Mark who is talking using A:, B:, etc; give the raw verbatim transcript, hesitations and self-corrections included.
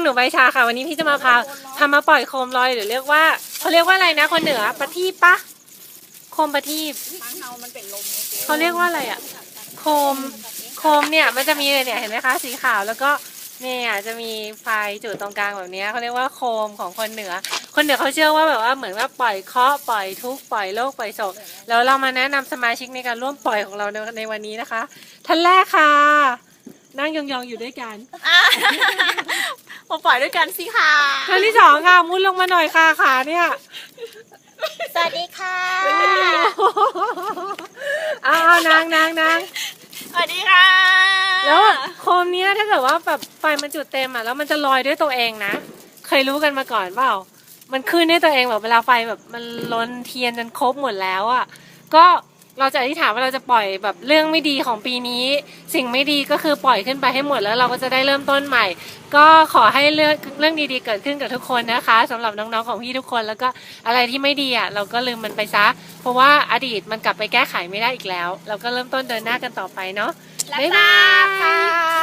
A: นูใบชาค่ะวันนี้พี่จะมาพาพามาปล่อยโคมลอยหรือเรียกว่าเขาเรียกว่าอะไรนะคนเหนือประทีปปะโคมประทีปเขาเรียกว่าอะไรอะโคมโคมเนี่ยมันจะมีเนี่ยเห็นไหมคะสีขาวแล้วก็เนี่ยจะมีไฟจุดตรงกลางแบบนี้เขาเรียกว่าโคมของคนเหนือคนเหนือเขาเชื่อว่าแบบว่าเหมือนว่าปล่อยเคราะห์ปล่อยทุกข์ปล่อยโรคปล่อยโศกแล้วเรามาแนะนำสมาชิกในการร่วมปล่อยของเราในในวันนี้นะคะท่านแรกค่ะนั่งยองๆอยู่ด้วยกัน
B: มาปล่อยด้วยกันสิค่ะ
A: ท่านที่สองค่ะมุดลงมาหน่อยค่ะขาเนี่ย
B: สวัสดีค่ะ
A: อ้าวนางนางนาง
B: สวัสดีค่ะ
A: แล้วโคมเนี้ยถ้าเกิดว่าแบบไฟมันจุดเต็มอ่ะแล้วมันจะลอยด้วยตัวเองนะเคยรู้กันมาก่อนเปล่ามันขึ้นด้วยตัวเองแบบเวลาไฟแบบมันล้นเทียนจนครบหมดแล้วอ่ะก็เราจะอธิษฐานว่าเราจะปล่อยแบบเรื่องไม่ดีของปีนี้สิ่งไม่ดีก็คือปล่อยขึ้นไปให้หมดแล้วเราก็จะได้เริ่มต้นใหม่ก็ขอให้เรื่องเรื่องดีๆเกิดขึ้นกับทุกคนนะคะสำหรับน้องๆของพี่ทุกคนแล้วก็อะไรที่ไม่ดีอ่ะเราก็ลืมมันไปซะเพราะว่าอดีตมันกลับไปแก้ไขไม่ได้อีกแล้วเราก็เริ่มต้นเดินหน้ากันต่อไปเนาะบ๊ายบาย